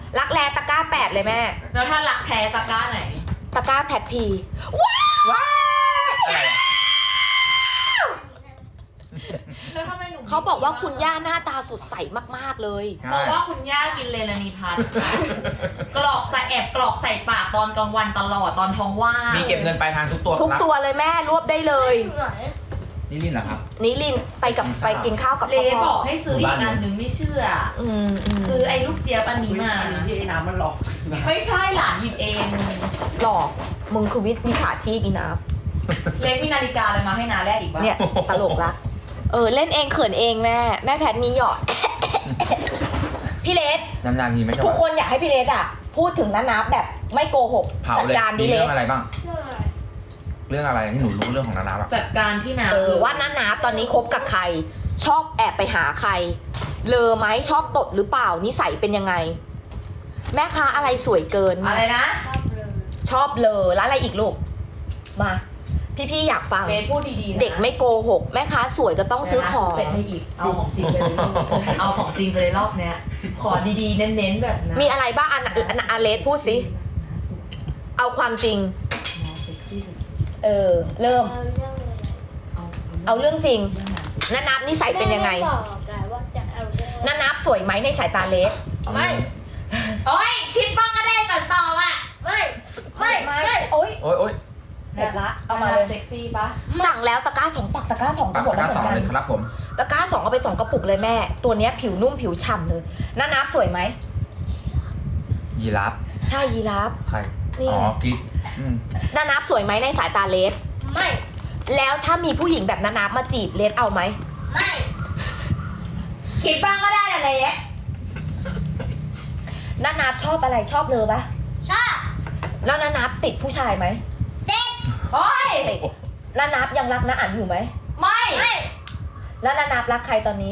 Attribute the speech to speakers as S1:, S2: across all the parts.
S1: รักแร้ตะกร้า8เลยแม่
S2: แล้วถ้ารักแท้ตะกร้าไหน
S1: ตะกร้าแพทพีว้าว
S3: อะไรอะ
S2: แล้วทำไมหนู
S1: เขาบอกว่าคุณย่าหน้าตาสดใสมากๆเลย
S2: เพราะว่าคุณย่ากินเลนานีพัทกรอกใส่แอบกรอกใส่ปากตอนกลางวันตลอดตอนท้องว่าง
S3: มีเก็บเงินปลายทางทุกตัว
S1: ทุก
S3: ครับ
S1: ตัวเลยแม่รวบได้เลย
S3: นี่ลินเหรอครับ
S1: นิลินไปกินข้าวกับ
S2: เล
S1: พ่อ
S2: บอกให้ซื้ออีกอันหนึ่งไม่เชื่อ
S1: อืม
S2: ซื้อไอ้ลูกเจี๊ยบอันนี้มา
S4: อันนี้ที่ไอ้น้ำมันหลอกนะ
S2: ไม่ใช่หลานหยิบเอง
S1: หลอกมึงคือวิชาชีพอีนับ
S2: เลมีนาฬิกาอะไรมาให้นาแรกอีกวะ
S1: เนี่ยตลกละเล่นเองเขินเองแม่แพทมีหยอด พี่เลส
S3: นานๆทีไม่ใช่
S1: ทุก
S3: ว่า
S1: คนอยากให้พี่เลสอ่ะ พูดถึงน้านับแบบไม่โกหก
S3: เผา
S1: จัด
S3: เลย
S1: การ
S3: มี
S1: ดิเล
S3: เรื่อ
S1: ส
S3: งอะไรบ้าง เรื่องอะไรที่หนูรู้เรื่องของนานาบ้าง
S2: จัดการที่นา
S1: ว่าน้านับตอนนี้คบกับใคร ชอบแอบไปหาใคร เลอไหมชอบตดหรือเปล่านิสัยเป็นยังไง แม่ค้าอะไรสวยเกิน
S2: อะไรนะ
S1: ชอบเลอแล้วอะไรอีกลูกมาพี่อยากฟัง
S2: เลพูดดีๆนะ
S1: เด็กไม่โกหก แม่ค้าสวยก็ต้องซื้อของ
S2: เป็นให้อีกเอาของจริงไปเลยลูกเอาของจริงไปเลยรอบเนี้ย ขอดีๆเน้นๆแบบนั้น
S1: มีอะไรบ้างอันเลสพูดสิ เอาความจริง เริ่ม เอาเรื่องจริงนานับนิสัยเป็นยังไง นานับสวยไหมในสายตาเลส
S4: ไม่
S2: โอ้ยคิดบ้างก็ได้ก่อนตอบอ่ะ
S1: โอ๊ย
S3: โอ๊ย
S1: เจ็บละ เอามาเลย
S2: เซ็กซี่ปะ
S1: สั่งแล้วตะกร้า2ปักตะกร้า2
S3: ปั
S1: ก็
S3: ก
S1: หมด
S3: ตะก
S1: แล้ว
S3: ร้า
S1: เหมือนกัน
S3: 2เลยครับผม
S1: ตะกร้า2เอาไป2กระปุกเลยแม่ ตัวเนี้ยผิวนุ่มผิวฉ่ำเลยนานับสวยไหม
S3: ยีราฟ
S1: ใช่ยีราฟ
S3: ใคร
S1: นี่
S3: อ๋อกิ๊กอืม
S1: นานับสวยไหมในสายตาเลส
S5: ไม่
S1: แล้วถ้ามีผู้หญิงแบบนานับมาจีบเลสเอาไหม
S5: ไม่
S2: คิดบ้างก็ได้นะเล็ก
S1: นานับชอบอะไรชอบเลยปะ
S5: ชอบ
S1: แล้วนานับติดผู้ชายไหม
S5: เด็ก
S2: โอ้ย
S1: ติดนานับยังรักน้าอั๋นอยู่ไหม
S2: ไม่
S5: ไม่
S1: แล้วนานับรักใครตอนนี้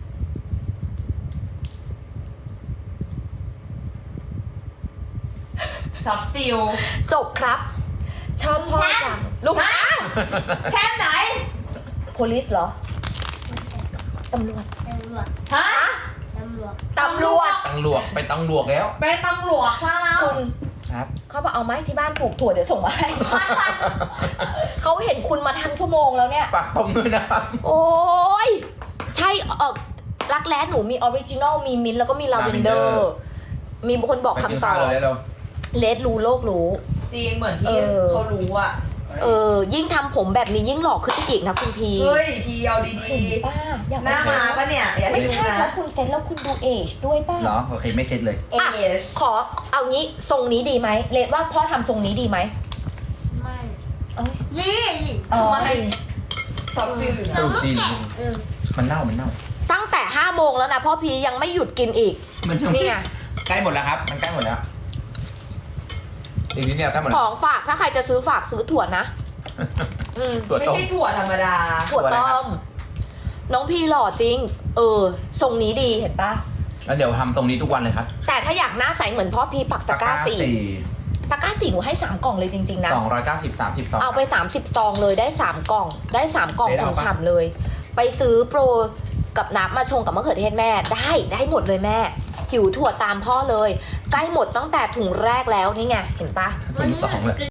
S2: ช็อตฟิล
S1: จบครับ ชอบพ่อจังลูก
S2: ฮะแชมป์ไหน
S1: โพลิสเหรอตำรวจ
S5: ตำรวจ
S2: ฮะ
S5: ตำรวจ
S1: ตำรวจ
S3: ตังหลวกไปตังหลวกแล้ว
S2: ไปตำรวจซะแล้ว
S1: คุณ
S3: ครับ
S1: เขาบอกเอาไหมที่บ้านปลูกถั่วเดี๋ยวส่งมาให้ เขาเห็นคุณมาทั้งชั่วโมงแล้วเนี่ย
S3: ฝากต้มด้วยนะครับ
S1: โอ้ยใช่รักแร้หนูมีออริจินอลมีมินท์แล้วก็มีลาเวนเดอ
S3: Lavender
S1: ร์มีคนบอก
S3: ไปกิน
S1: คำตอ
S3: ข้าว
S1: บ
S3: เลยเร็ว
S1: เลสรู้โลกรู้
S2: จริงเหมือนที่เขารู้อ่ะ
S1: ยิ่งทำผมแบบนี้ยิ่งหล่อขึ้นไปอีกนะคุณพี
S2: เฮ้ยพีเอาดี
S1: เห็นป้าอยาก
S2: ๆ หน้ามาปะเนี่ยอย่า
S1: ไม่
S2: ลืม
S1: ใช่
S2: นะ
S1: เพราะคุณเซ็ตแล้วคุณดูเอจด้วยป้า
S3: เหรอโอเคไม่เซ็ตเลย
S2: เอช
S1: ขอเอางี้ทรงนี้ดีไหมเลดว่าพ่อทำทรงนี้ดีไหม
S5: ไม่
S1: เอ้ย
S5: นี่
S1: อ๋อ
S2: ไม่ ช็อตฟิลอยู่
S5: เรา
S2: นะ
S5: ก็
S3: ดี
S5: แกะ
S3: มันเน่ามันเน่า
S1: ตั้งแต่5 โมงแล้วนะพ่อพียังไม่หยุดกินอีก
S3: มันยัง
S1: นี่ไง
S3: ใกล้หมดแล้วครับ มันใกล้หมดแล้วอีกนิดเดียวใกล้หมด
S1: ข
S3: แล้
S1: อ
S3: ว
S1: งฝากถ้าใครจะซื้อฝากซื้อถั่วนะ อืม
S3: ตัว
S2: ไม่
S3: ต้ม
S2: ใช่ถั่วธรรมดา
S1: ถั่วต้ม น้องพีหล่อจริง ทรงนี้ดีเห็นปะ
S3: แล้วเดี๋ยวทำตรงนี้ทุกวันเลยครับ
S1: แต่ถ้าอยากหน้าใสเหมือนพ่อพีปักตะกร้าสี่ตะกร้าสี่หนูให้3 กล่องเลยจริงๆนะ
S3: 290 30
S1: เอาไป30 ซองเลยได้3 กล่อง ได้3 กล่อง
S3: ได้เอาปะ
S1: ฉ่ำๆเลย ไปซื้อโปรกับน้ำมาชงกับมะเขือเทศแม่ได้หมดเลยแม่ หิวถั่วตามพ่อเลย ใกล้หมดตั้งแต่ถุงแรกแล้วนี่ไงเห็นปะ
S3: ถุง2เลย